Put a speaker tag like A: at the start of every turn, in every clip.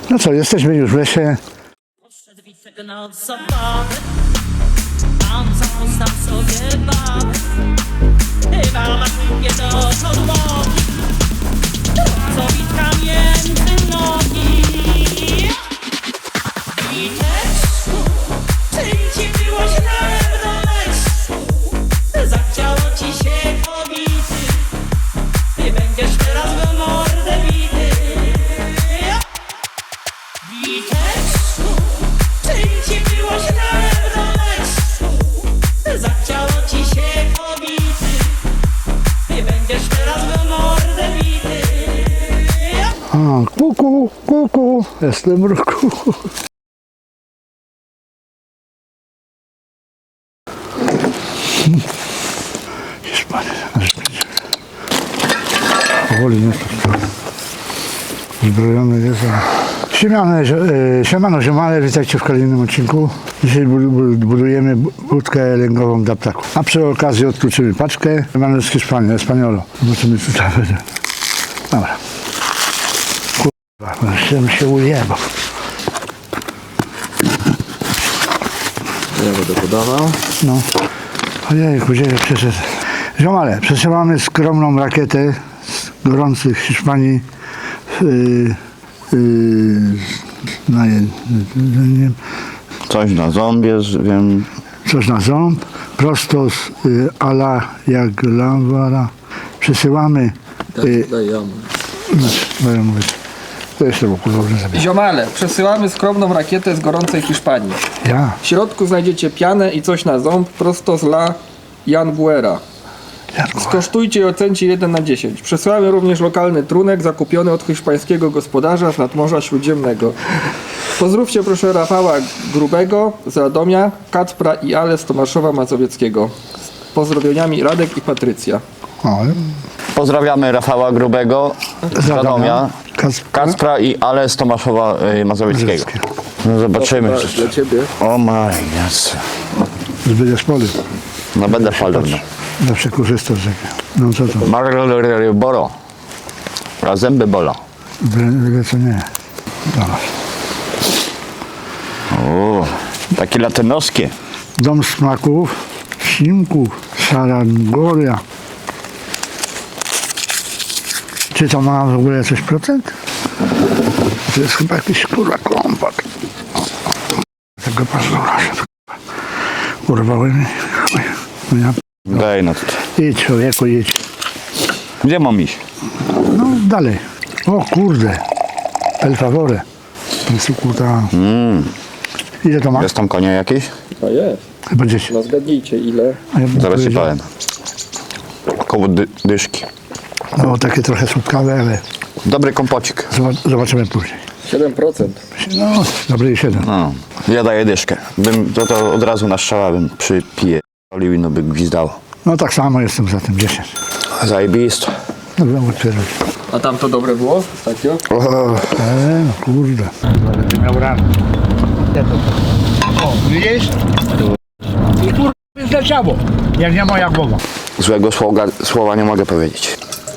A: No co, jesteśmy już w lesie.
B: Podszedł Wicek na zabawę, tam został sobie babę. Chyba ma nie do podłogi, co Witka między nogi. Witeczku, czym ci było źle w domeczku? Zachciało ci się kobity, ty będziesz teraz w mordę bity. Witeczku, czym ci było źle w domeczku? Zachciało ci się kobity, ty będziesz teraz w mordę bity.
A: A, kuku, kuku, jestem ruku. Hiszpania, aż będzie. Powoli nie zbrojony jest. Siemano, ziomale, witajcie w kolejnym odcinku. Dzisiaj budujemy budkę lęgową dla ptaków. A przy okazji odkluczymy paczkę. Mamy z Hiszpanii, Espaniolo. Zobaczymy, co tam będzie. Dobra. Kurwa, się ujebał.
C: Ja będę podawał.
A: No. Ojejku, gdzie przeszedł. Ziomale, przesyłamy skromną rakietę z gorących Hiszpanii na jedzeniem.
C: Coś na ząbie, wiem.
A: Coś na ząb, prosto z ala jak lawara. Przesyłamy.
C: Daj ja.
A: Będę mówić. To jeszcze było kurwa zabiera.
D: Ziomale, przesyłamy skromną rakietę z gorącej Hiszpanii.
A: Ja.
D: W środku znajdziecie pianę i coś na ząb prosto z La Janbuera. Skosztujcie i ocencie 1 na 10. Przesyłamy również lokalny trunek zakupiony od hiszpańskiego gospodarza z nadmorza Śródziemnego. Pozdrówcie proszę Rafała Grubego z Radomia, Kacpra i Ale z Tomaszowa Mazowieckiego. Z pozdrowieniami Radek i Patrycja.
A: O,
C: Pozdrawiamy Rafała Grubego z Radomia, Kacpra i Ale z Tomaszowa Mazowieckiego. No zobaczymy.
D: Dla ciebie.
C: O my yes.
A: Zbyt poli.
C: No będę palał.
A: Zawsze korzystam z tego. No co to?
C: Boro. A zęby bolą.
A: Byle co nie. Dobra.
C: O, takie latynoskie.
A: Dom smaków, ślimków, Sarangoria. Czy to ma w ogóle coś procent? To jest chyba jakiś kurwa kompat. Tego pazura się urwały mi. No ja...
C: Daj no tutaj.
A: Idź człowieku, idź.
C: Gdzie mam iść?
A: No dalej. O kurde. El favore. Kurta. Ile to ma?
C: Jest tam konie jakieś?
D: A jest.
A: Chyba 10.
D: No zgadnijcie ile.
A: A ja bym
C: Zaraz ci
A: powiedział-
C: powiem. Koło dyszki.
A: No takie trochę słodkawe, ale
C: Dobry kompocik.
A: zobaczymy później.
D: 7%.
A: No, dobry 7.
C: No, ja daję dyszkę. Bym to od razu na strzała bym przypije. I no by gwizdało.
A: No tak samo jestem za tym 10.
C: Zajebisto.
A: Dobra, otwierać.
D: A tam to dobre było ostatnio?
A: No kurde. Będę miał ranę. O, widzisz? I kurde zleciało. Jak nie moja głowa.
C: Złego słowa nie mogę powiedzieć.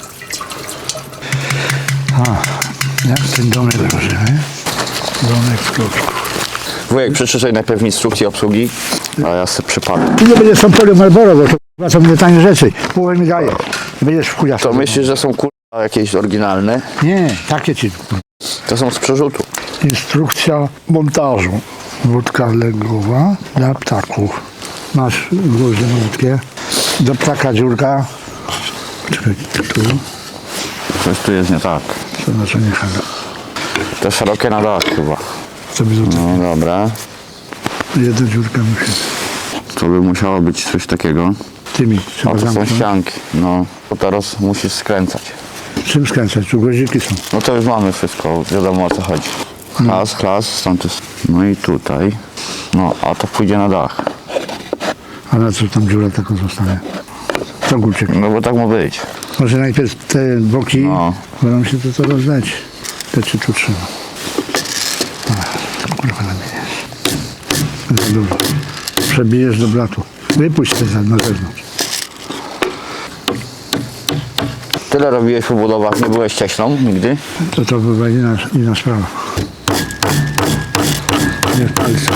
A: Jak ten domek rozumie? Domek z kloczków.
C: Wujek, przeczytaj najpierw instrukcję obsługi, a ja sobie przypadam.
A: Ty nie będziesz tą polią Marlboro, bo to są mnie tanie rzeczy. Połowę mi daje. Będziesz w chuja.
C: To myślisz, że są kurwa jakieś oryginalne?
A: Nie, takie ci.
C: To są z przerzutu.
A: Instrukcja montażu. Wódka lęgowa dla ptaków. Masz gwoździe malutkie. Do ptaka dziurka. Czekaj, tu.
C: Coś tu jest nie tak.
A: To znaczy nie chyba.
C: Te szerokie na dach chyba.
A: Co by to
C: No dobra.
A: jedna dziurka musi.
C: To by musiało być coś takiego.
A: Tymi
C: O,
A: trzeba
C: to są
A: zamknąć.
C: ścianki. No, to teraz musisz skręcać.
A: Czym skręcać? Tu guziki są.
C: No to już mamy wszystko, wiadomo o co chodzi. Klas, stąd jest. No i tutaj. No, a to pójdzie na dach.
A: A na co tam dziura taką zostanie? To górczyk.
C: No bo tak ma być.
A: Może najpierw te boki
C: No.
A: będą się to rozdać. To ci tu trzyma. Kurwa nabijesz. Za dużo. Przebijesz do blatu. Wypuść te na zewnątrz.
C: Tyle robiłeś po budowach, nie byłeś cieśną nigdy?
A: To była inna sprawa. Jest palce.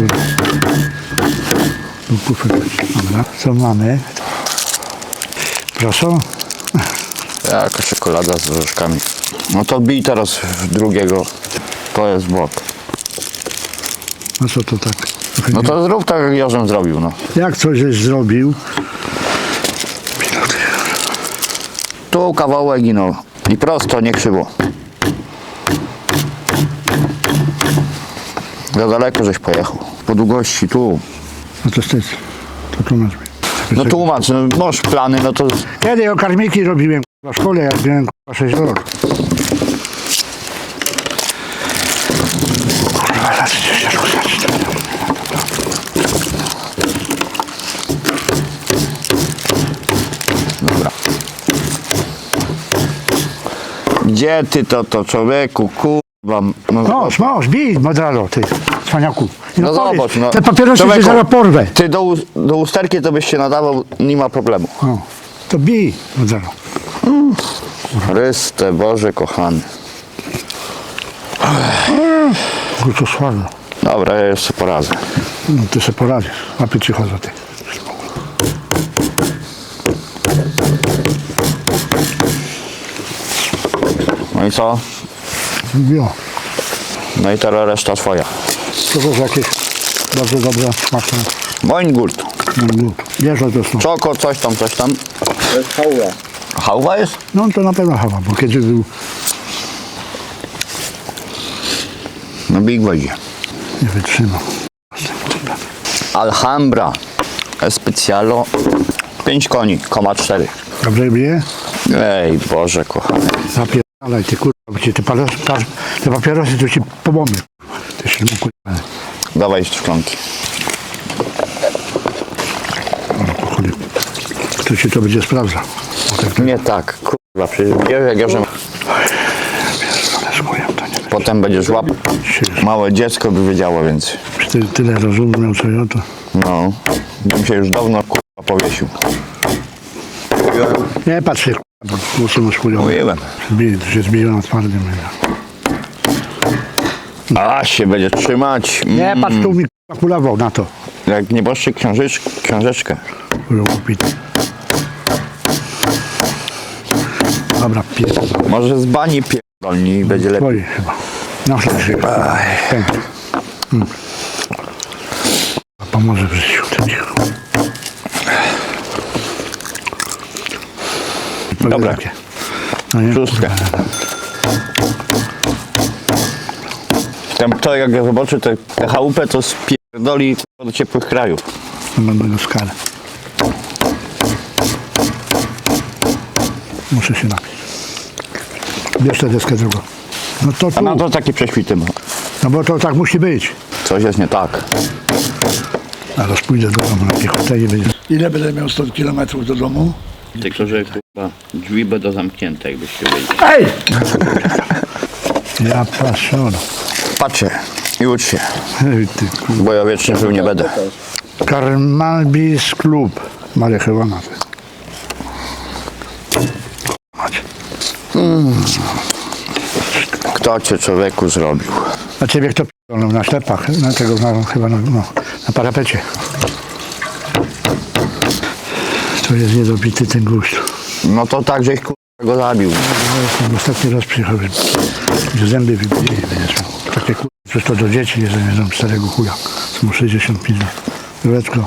A: Dobra, co mamy? Proszę.
C: Jaka czekolada z orzeszkami. No to bij teraz w drugiego. To jest błąd.
A: No co to tak?
C: No to zrób tak, jak Jorzem zrobił, no.
A: Jak coś żeś zrobił?
C: Tu kawałek i no. I prosto, nie krzywo. Za daleko żeś pojechał. Po długości tu.
A: No to wstyd. To tłumacz mi.
C: No tłumacz, no masz plany, no to...
A: Kiedy karmiki robiłem w szkole, jak byłem 6 lat. Kurwa, zaraz się ruszać.
C: Dobra. Gdzie ty to człowieku, kurwa? No,
A: Masz, bij modralo, ty, cwaniaku. I
C: no
A: powiedz,
C: zobacz, no.
A: te papierosy
C: Człowieku,
A: się zaraz porwę.
C: Ty do usterki to byś się nadawał, nie ma problemu.
A: O, to bij modralo.
C: Chryste Boże kochany.
A: Kurczę, słabo.
C: Dobra, ja jeszcze poradzę.
A: No ty sobie poradzisz. Łapy ci chodzą, ty.
C: No i co?
A: Jo,
C: No i teraz reszta twoja.
A: to jest jakieś bardzo dobre, smaczne.
C: Moingurt.
A: Wiesz, że to są.
C: Czoko, coś tam, coś tam.
D: To jest hałwa.
C: Hałwa jest?
A: No to na pewno chyba, bo kiedyś był,
C: No Big będzie.
A: nie wytrzymał.
C: Alhambra. Especialo. 5 koni, 4.
A: Dobrze bije?
C: Ej, Boże kochany.
A: Zapierdalaj, ty kurwa, bo ci te papierosy to ci pomogę. Ty się kurwa.
C: Dawaj szklanki.
A: Po chudy. Kto ci to będzie sprawdzał? Bo tak
C: Nie tak, kurwa, przecież wiesz jak ja, że
A: pierdolę, to nie wiem.
C: potem będziesz łap. Małe dziecko by wiedziało, więc
A: Tyle rozumiał, co ja to.
C: no, bym się już dawno kurwa powiesił.
A: Nie patrz się, kurwa, bo głosy masz chujowe.
C: Mówiłem.
A: To się zbiją na twardym.
C: A się będzie trzymać.
A: Nie patrz, tu mi kurwa kulawał na to.
C: Jak nieboszczyk książeczkę.
A: Kurwa kupić. Dobra, pierdol.
C: Może z bani pierdolni będzie lepiej.
A: Twoi chyba. No chyba. Pomoże w życiu. To cicho.
C: Dobra.
A: No nie?
C: Szóstkę. Tam to jak ja zobaczę tę chałupę, to spierdoli do ciepłych krajów.
A: Będę go skalę. Muszę się napić. Bierz tę deskę drugą. No to
C: A
A: tu.
C: na to takie prześwity ma.
A: No bo to tak musi być.
C: Coś jest nie tak.
A: Zaraz pójdę do domu na piechotę i będzie. Ile będę miał 100 km do domu?
C: Tylko, że chyba drzwi będą zamknięte, jakbyście wiedzieli.
A: Ej! Ja patrzę.
C: Patrzcie i ucz się,
A: Ej, ty kurwa.
C: bo ja wiecznie żył nie będę.
A: Karmalbis Klub. Marihuana. Macie.
C: Kto cię człowieku zrobił?
A: A ciebie kto p***nął na ślepach? Na tego, chyba na parapecie. To jest niedobity ten guść.
C: No to tak, żeś kurwa go zabił.
A: No, ostatni raz przyjechał, że zęby wybili. Będziesz miał. Takie kurwa, przecież to do dzieci jest, jedzą starego chuja. Są 65 lat. Jureczko.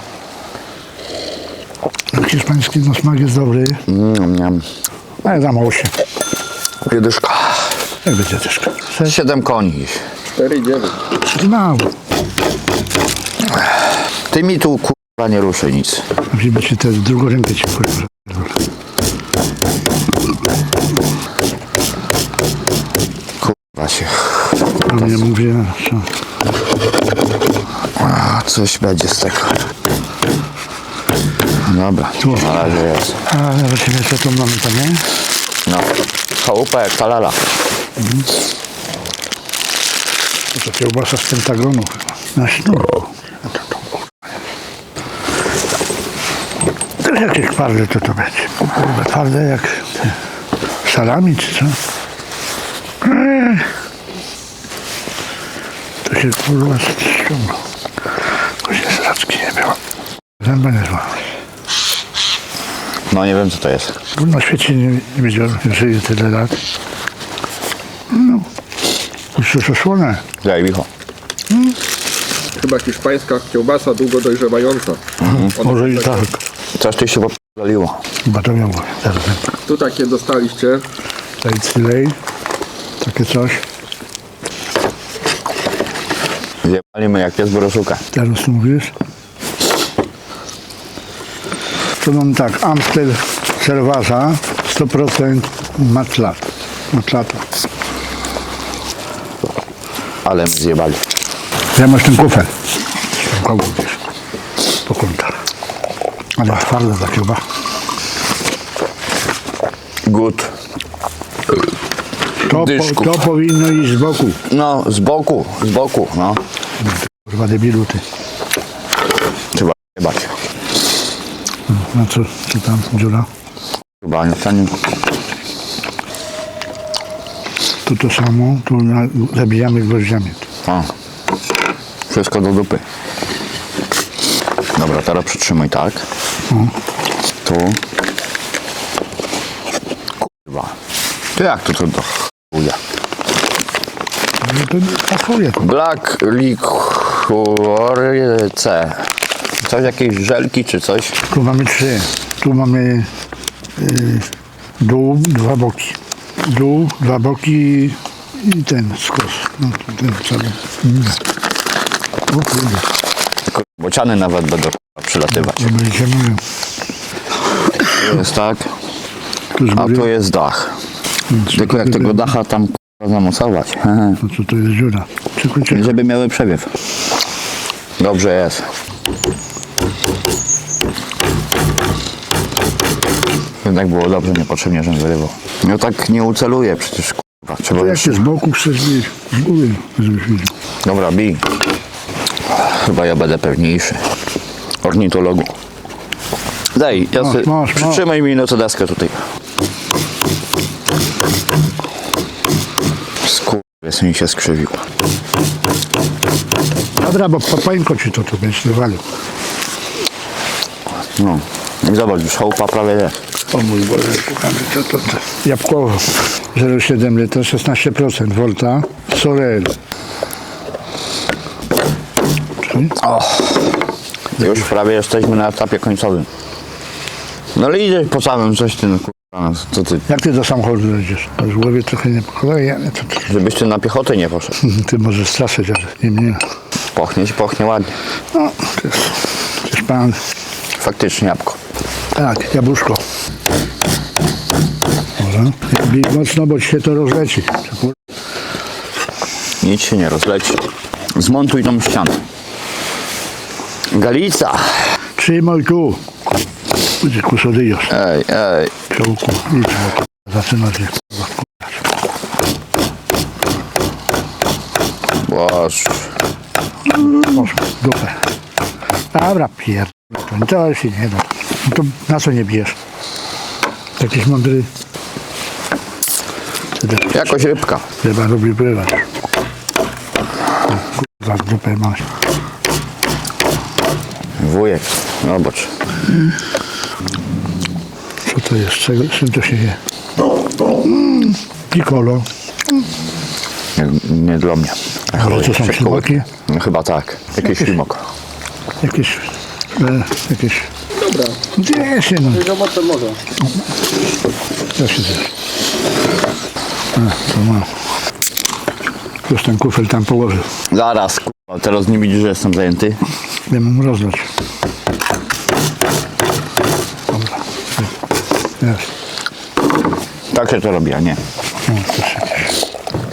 A: Hiszpański no, smak jest dobry,
C: Miam.
A: ale za mało się.
C: Jedyszka.
A: Jak będzie też?
C: 7 koni.
D: 4,9.
A: Mało.
C: Ty mi tu kurwa nie ruszy nic.
A: Żeby ci tę drugą rękę ci kurwa.
C: Kurwa się.
A: A mnie mówię, co?
C: A, coś będzie z tego. Dobra, na razie jest.
A: A zobaczymy co tu mamy tam, nie?
C: No. Chałupa jak talala.
A: To kiełbasa z Pentagonu chyba. Na sznurku. A to kurwa. To jakieś twarde to będzie. Kurwa, twarde jak te salami czy co? To się kurwa ściąga. Bo się sraczki nie było. Zęba nie złamać.
C: No nie wiem co to jest.
A: Na świecie nie wiedziałem, że żyję tyle lat. No. Już to osłonę.
C: Daj licho.
D: Chyba hiszpańska kiełbasa długo dojrzewająca.
A: Może i tak.
C: Coś tu się popaliło.
A: Chyba to miało. Zaraz.
D: Tu takie dostaliście.
A: Lej. Takie coś.
C: Zjebaliśmy jak pies boroszuka.
A: Teraz tu mówisz? To mam tak, Amstel Cerveza 100% matlata.
C: Ale my zjebali.
A: Ja masz ten kufel. Kogo wiesz? Po kątach. Ale twarda ta kiełba.
C: Good. Dyszku.
A: To powinno iść z boku.
C: No, z boku, no.
A: Kurwa debilu ty.
C: Trzeba jebać.
A: No co tam dziura?
C: Chyba nie stanie.
A: Tu to samo, tu zabijamy gwoździami.
C: O. Wszystko do dupy. Dobra, teraz przytrzymuj tak. Tu. Kurwa. To jak to do chuja?
A: No to pasuje tu.
C: Black Liquor C. Coś, jakieś żelki czy coś?
A: Tu mamy 3. Tu mamy dół, 2 boki. Dół, 2 boki i ten skos. No ten cały. O kurde,
C: Bociany nawet będą przylatywać.
A: to będziecie mówią.
C: Tu jest tak,
A: Tu z
C: a
A: góry.
C: tu jest dach. Tylko jak tego dacha tam kurwa zamocować.
A: No co to jest dziura? Czekaj.
C: Żeby miały przewiew. Dobrze jest. Jednak było dobrze, niepotrzebnie, żebym wyrywał. No tak nie uceluję przecież, kurwa. Trzeba
A: To jak
C: już...
A: się z boku chcesz mieć, z góry, żebyś widział.
C: Dobra, bij. Chyba ja będę pewniejszy. Ornitologu. Daj, ja
A: Masz,
C: sobie...
A: masz.
C: Przytrzymaj mi no to deskę tutaj. Skurwys mi się skrzywił.
A: Dobra, bo papańko ci to będziesz wywalił.
C: No. I zobacz, już chałupa prawie jest.
A: O mój Boże, szukamy to. Jabłkowo 0,7 litra, 16% volta. Sorel. Czyli?
C: Już prawie jesteśmy na etapie końcowym. No ale idziesz po samym coś ty, no kurwa, no, co ty?
A: Jak ty do samochodu jedziesz? To już w głowie trochę nie pokolej, ale to ty,
C: Żebyś ty na piechotę nie poszedł.
A: ty możesz straszyć, ale nie mnie.
C: Pochnie ładnie.
A: No, to jest pan.
C: Faktycznie jabłko.
A: Tak, jabłuszko. Może? Bij mocno, bo ci się to rozleci.
C: Nic się nie rozleci. Zmontuj tą ścianę. Galica.
A: Przyjmuj tu. Będzie kusodyjos.
C: Ej.
A: Czołku. Idź, bo to zaczyna się.
C: Boż.
A: Może, dupę. Dobra, pierdolę. To się nie da. No to na co nie bijesz? Jakiś mądry.
C: Jakoś rybka.
A: Chyba lubi pływać. Kurwa, dupę masz.
C: Wujek. Zobacz.
A: Co to jest? Czym to się je? Piccolo.
C: Nie dla mnie.
A: Ale to są ślimaki?
C: No chyba tak. Jakiś ślimak.
A: Jakieś... jakieś...
D: Dobra.
A: Gdzie się no?
D: Zobaczę może.
A: Ja się zjesz. To mam. Już ten kufel tam położył.
C: Zaraz, kurwa. Teraz nie widzisz, że jestem zajęty.
A: Ja mam rozlać. Dobra. Jest.
C: Tak się to robi, a nie.
A: No, to się dzieje.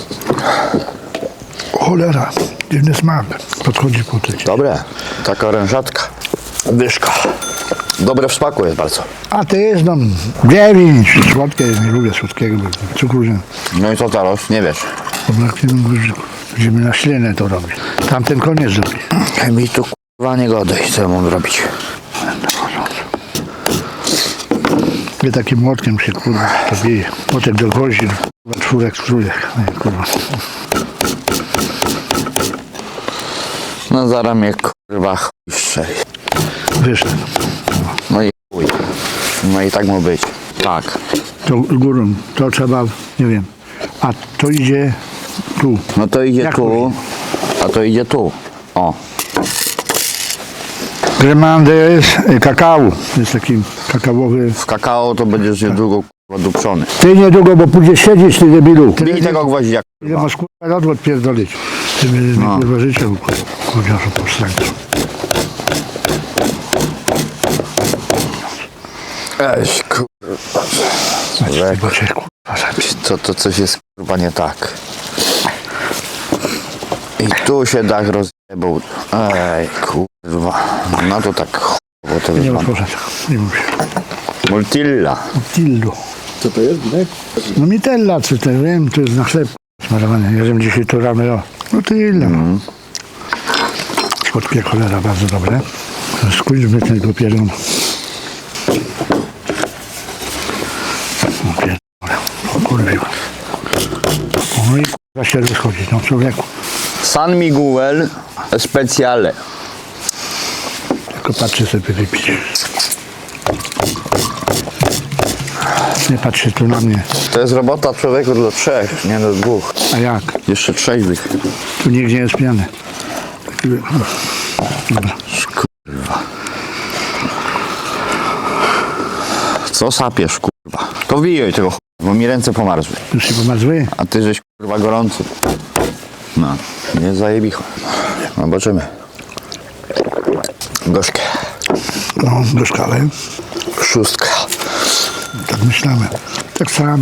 A: Cholera. Dziwny smak. Podchodzi po tej.
C: Dobre. Taka orężatka. Dyszka. Dobre w smaku jest bardzo.
A: A ty jest no 9. Słodkie, nie lubię słodkiego. Bo cukru nie.
C: No i co teraz? Nie wiesz.
A: Braknie nam guziku. Będziemy na ślinę to robić. Tamten koniec zrobi.
C: Mi tu kurwa nie godaj, co ja mam robić.
A: Nie takim młotkiem się kurwa to bije. Młotek do goździn. Czwórek, trójek. Nie, kurwa.
C: No zaraz mnie kurwa chuj strzeli.
A: Wyszedł.
C: No i chuj. No i tak ma być. Tak.
A: To górą, to trzeba, nie wiem. A to idzie tu.
C: No to idzie
A: Jak
C: tu, a to idzie tu. O.
A: Gremandes kakao. Jest taki kakaowy.
C: W kakao to będziesz niedługo kurwa duprzony.
A: Ty niedługo, bo pójdziesz siedzieć, ty debilu.
C: Bij tego gwoździa.
A: Ile masz kurwa lat odpierdolić? Ty będziesz mi kurwa życie kurwa powstańcu.
C: Eś kurwa.
A: Bo cię kurwa zabić.
C: To coś jest kurwa nie tak. I tu się dach rozjebał. Ej kurwa. No to tak chujowo to
A: Nie
C: wygląda.
A: otworzę tego. Nie mów się.
C: Multilla.
A: Tildo.
D: Co to jest, Ginek?
A: No mitella, czy to wiem, to jest na chleb smarowane. Jadłem dzisiaj to rano, o. No tyle. Słodkie cholera, bardzo dobre. Skójmy tego pieronu. O pierdolę. O kurwa. No i kurwa się rozchodzi, no człowieku.
C: San Miguel Speciale.
A: Tylko patrzę sobie wypić. Nie patrzy tu na mnie.
C: To jest robota człowieku do 3, nie do 2.
A: A jak?
C: Jeszcze trzeźwych.
A: Tu nigdzie nie jest pijany. Dobra.
C: Kurwa. Co sapiesz kurwa? To wijaj tego chuj, bo mi ręce pomarzły.
A: Już się pomazły?
C: A ty żeś kurwa gorący. No, nie zajebicho. Zobaczymy. Gorzkie.
A: No, gorzkale.
C: 6.
A: Tak myślamy. Tak samo.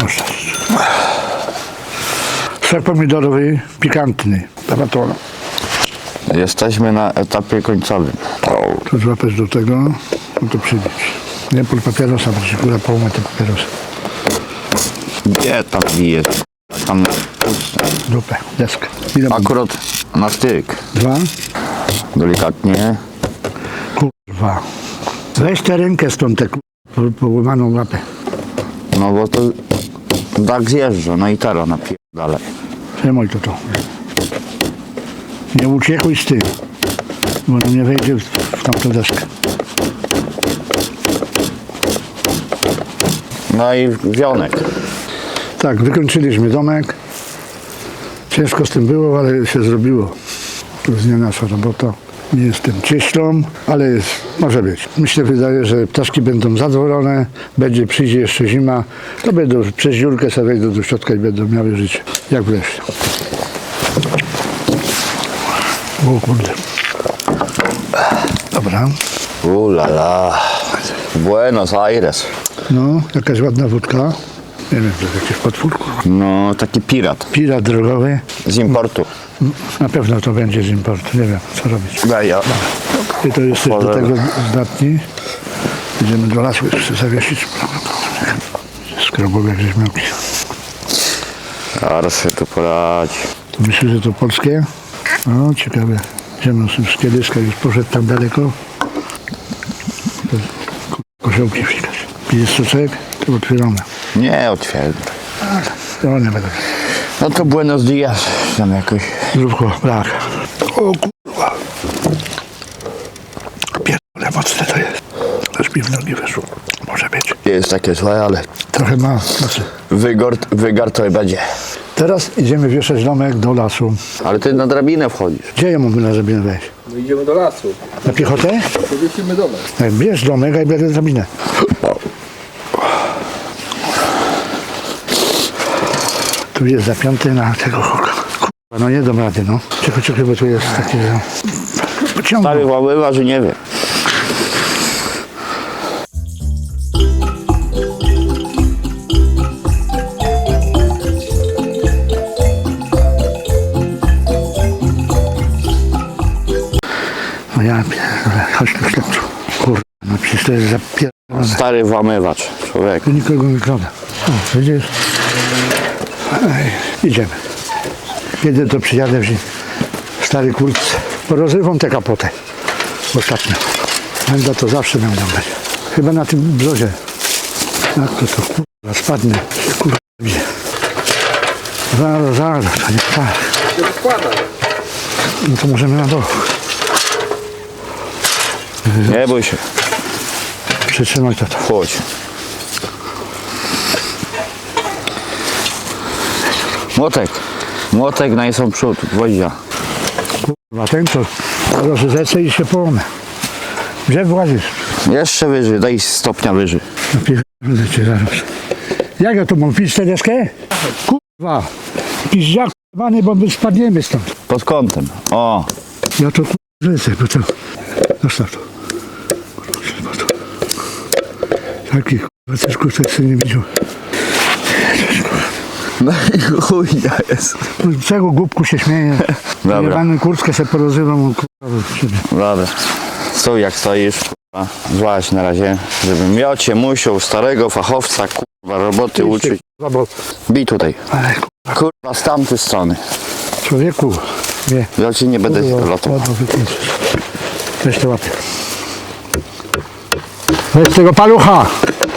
A: Ser pomidorowy, pikantny. Paratona.
C: Jesteśmy na etapie końcowym.
A: To złapać do tego, no to przybić. Nie pól papierosa, bo się kurwa połamę te papierosy.
C: Gdzie tam wijesz? Tam
A: Dupę, deskę. Ile mam?
C: akurat na styk.
A: 2?
C: Delikatnie.
A: Kurwa. Weź tę rękę stąd, tę połamaną łapę.
C: No bo to tak zjeżdża, no i teraz napierdalaj.
A: Przejmuj to. Nie uciekaj z tym, bo on nie wejdzie w tamtą deskę.
C: No i wionek.
A: Tak, wykończyliśmy domek. Ciężko z tym było, ale się zrobiło. To jest nie nasza robota. Nie jestem cieślą, ale jest, może być. Myślę, wydaje, że ptaszki będą zadowolone, przyjdzie jeszcze zima, to będą przez dziurkę sobie wejdą do środka i będą miały życie, jak w lesie. O kurde. Dobra.
C: Ulala. Buenos Aires.
A: No, jakaś ładna wódka. Nie wiem, to jest jakiś potwór.
C: No, taki pirat.
A: Pirat drogowy.
C: Z importu.
A: Na pewno to będzie z importu. Nie wiem, co robić.
C: Daj ja.
A: Ty to jesteś do
C: Możemy.
A: tego zdatni. Idziemy do lasu jeszcze zawiesić. Skrobowiak rzeźmiałki.
C: Zaraz się tu poradzi.
A: Myślę, że to polskie. No, ciekawe. Ziemno z Kiedyska już poszedł tam daleko. To koziołki wsikać. Pijesz soczek? To otwieramy.
C: Nie otwierdzę.
A: To one będą.
C: No to Buenos Dias. Tam jakoś.
A: Zróbko, brak. O kurwa. Pierdolę, mocne to jest. Aż mi w nogi weszło. Może być.
C: Jest takie złe, ale
A: Trochę ma mocy.
C: wygar to będzie.
A: Teraz idziemy wieszać domek do lasu.
C: Ale ty na drabinę wchodzisz.
A: Gdzie ja mogę na drabinę wejść?
D: No idziemy do lasu.
A: Na piechotę?
D: Powiesimy domek.
A: Bierz domek, a ja biorę drabinę. Tu jest zapięty na tego hoka. Kurwa, no nie dam rady, no. Czekaj, bo tu jest takie...
C: Stary
A: Pociągnął.
C: włabywa, że nie wie.
A: No ja pierdolę, chodź tu śledczu. Kurwa, no przecież to jest zapierdolone.
C: Stary włamywacz, człowiek.
A: Tu nikogo nie krada. O, widzisz? Ej, idziemy. Kiedy to przyjadę w stary kurtce. Porozrywam tę kapotę. Ostatnio. Będę to zawsze będą dać. Chyba na tym brzozie. Jak to kurwa spadnie. Kurwa gdzie? Zaraz, to nie tak.
D: Się rozkłada.
A: No to możemy na dół.
C: Nie bój się.
A: Przytrzymaj to.
C: Chodź. Młotek. Młotek na są przód, gwoździa.
A: Kurwa, ten to rozrzecę i się połamę. Gdzie włazisz?
C: Jeszcze wyżej, daj stopnia wyżej.
A: Napierdolę cię zaraz. Jak ja to mam pić tę deskę? Kurwa. Piździak k***wany, bo my spadniemy stąd.
C: Pod kątem. O.
A: Ja to kurwa bo to... Zostaw to. Kurwa, to. Taki kurwa też kusek sobie nie widział.
C: No i chujnia jest.
A: Z czego głupku się śmieje?
C: Dobra.
A: Jebany kurtkę sobie porozrywam kurwa od siebie.
C: Dobra. Stój jak stoisz, kurwa. Złaź na razie, żebym miocie musiał starego fachowca, kurwa, roboty uczyć.
A: Kurwa, bo...
C: Bij tutaj.
A: Ale
C: Kurwa, z tamtej strony.
A: człowieku, nie.
C: Ja ci nie będę lotował.
A: Ładno wykończyć. Weź to łapie. Weź tego palucha!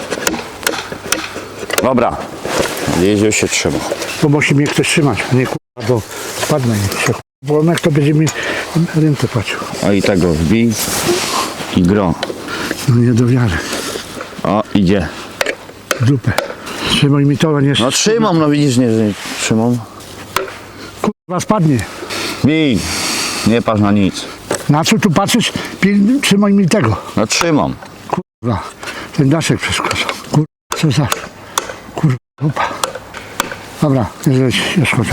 C: Dobra. Jeziu się trzyma.
A: Bo musi mnie ktoś trzymać, nie kurwa, bo spadnę i się. Bo on jak to będzie mi ręce patrzył.
C: O i tego wbij. I gro.
A: No nie do wiary.
C: O, idzie.
A: W dupę. Trzymaj mi to, nie
C: No trzymam, no widzisz, nie, że trzymam.
A: kurwa spadnie.
C: Bij. Nie patrz na nic.
A: Na co tu patrzysz? Trzymaj mi tego.
C: No trzymam.
A: Kurwa, ten daszek przeszkadzał. Kurwa, co za... Kurwa, dupa. Dobra, już chociaż.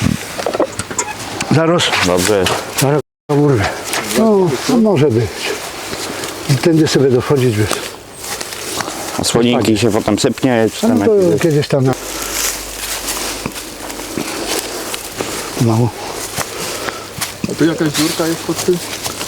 A: Zaraz,
C: Dobrze.
A: zaraz urwę. No, może być. I tędy sobie dochodzić bez.
C: A słoninki się potem sypnie, czy
A: A
C: tam
A: no to
C: jakieś...
A: kiedyś tam na... Mało.
D: A tu jakaś dziurka jest pod tym?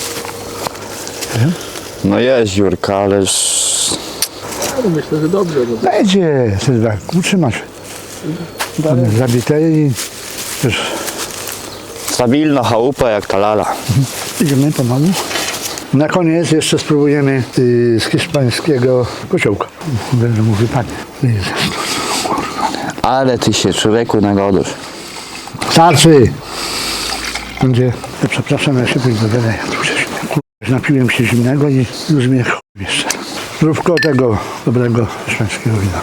C: No jest dziurka, ale...
D: No, myślę, że dobrze. Bo...
A: Będzie, Sylwek, utrzyma się. Tam jest zabite i już
C: Stabilna chałupa jak ta lala.
A: idziemy pomału. Na koniec jeszcze spróbujemy z hiszpańskiego kociołka. Będę mu wypadnie. Jezus, kurwa, nie.
C: Ale ty się człowieku nagodzisz.
A: Starczy! Będzie, przepraszam, ja się pójdę do wiele. Napiłem się zimnego i już mnie chuj jeszcze. Zdrówko tego dobrego hiszpańskiego wina.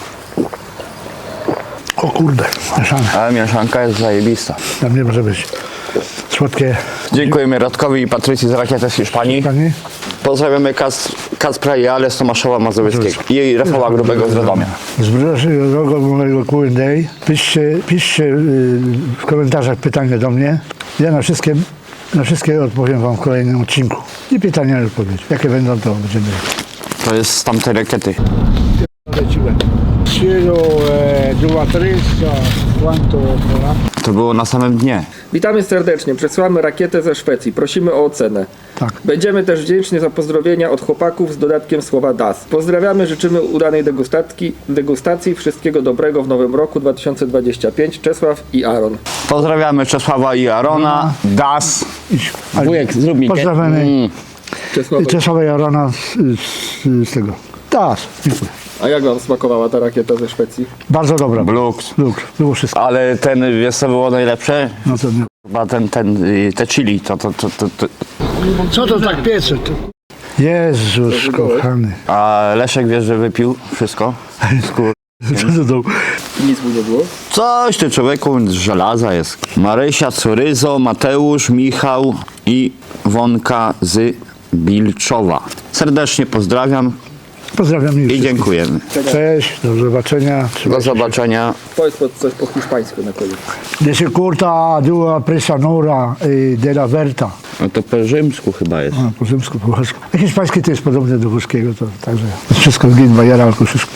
A: O kurde, mieszane.
C: Ale mieszanka jest zajebista.
A: Tam nie może być słodkie.
C: Dziękujemy Radkowi i Patrycji z Rakiety z Hiszpanii.
A: Panie?
C: Pozdrawiamy Kacpra i Ale z Tomaszowa Mazowieckiego i Rafała Grubego z Radomia.
A: Z bliższego mojego Q&A piszcie w komentarzach pytania do mnie. Ja na wszystkie odpowiem wam w kolejnym odcinku. I pytania i odpowiedź. Jakie będą, to będziemy.
C: To jest z tamtej rakiety.
A: Leciłem. Cielo, dua tresa, quanto vola?
C: To było na samym dnie.
D: Witamy serdecznie. Przesyłamy rakietę ze Szwecji. Prosimy o ocenę.
A: Tak.
D: Będziemy też wdzięczni za pozdrowienia od chłopaków z dodatkiem słowa DAS. Pozdrawiamy, życzymy udanej degustacji. Wszystkiego dobrego w nowym roku 2025. Czesław i Aaron.
C: Pozdrawiamy Czesława i Arona. Das.
A: Idź.
C: Wujek, zrób mi
A: Pozdrawiamy Czesława Jarona z tego. Tak, dziękuję.
D: A jak wam smakowała ta rakieta ze Szwecji?
A: Bardzo dobra.
C: Blux.
A: Było wszystko.
C: Ale ten, wiesz co było najlepsze?
A: No to nie.
C: Chyba te chili, to.
A: Co to tak piecze? Jezus kochany.
C: A Leszek wiesz, że wypił wszystko?
A: Co to dał?
D: Nic mu nie było?
C: Coś ty człowieku z żelaza jest. Marysia, Curyzo, Mateusz, Michał i Wonka z Bilczowa. Serdecznie pozdrawiam
A: Pozdrawiam
C: i dziękujemy.
A: Cześć, do zobaczenia.
C: Do zobaczenia.
D: Powiedz coś po hiszpańsku na koniec.
A: Desde curta dua presa nora de la Verta.
C: No to po rzymsku chyba jest.
A: A, po rzymsku, po włosku. A hiszpański to jest podobne do włoskiego, to także wszystko z Ginbajera, albo wszystko.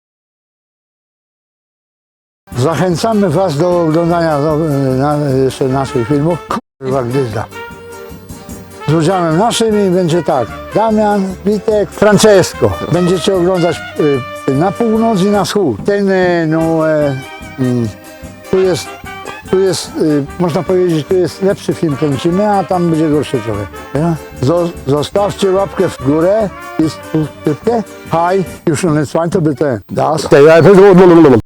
A: Zachęcamy was do oglądania jeszcze naszych filmów. Kurwa gdyzda. Z udziałem naszym będzie tak. Damian, Witek, Francesco. Będziecie oglądać na północ i na wschód. Ten, tu jest, można powiedzieć, tu jest lepszy film kręcimy, a tam będzie gorszy trochę. Ja? Zostawcie łapkę w górę i subskrypcję. Hi, już on jest fajny, to by ten. Das.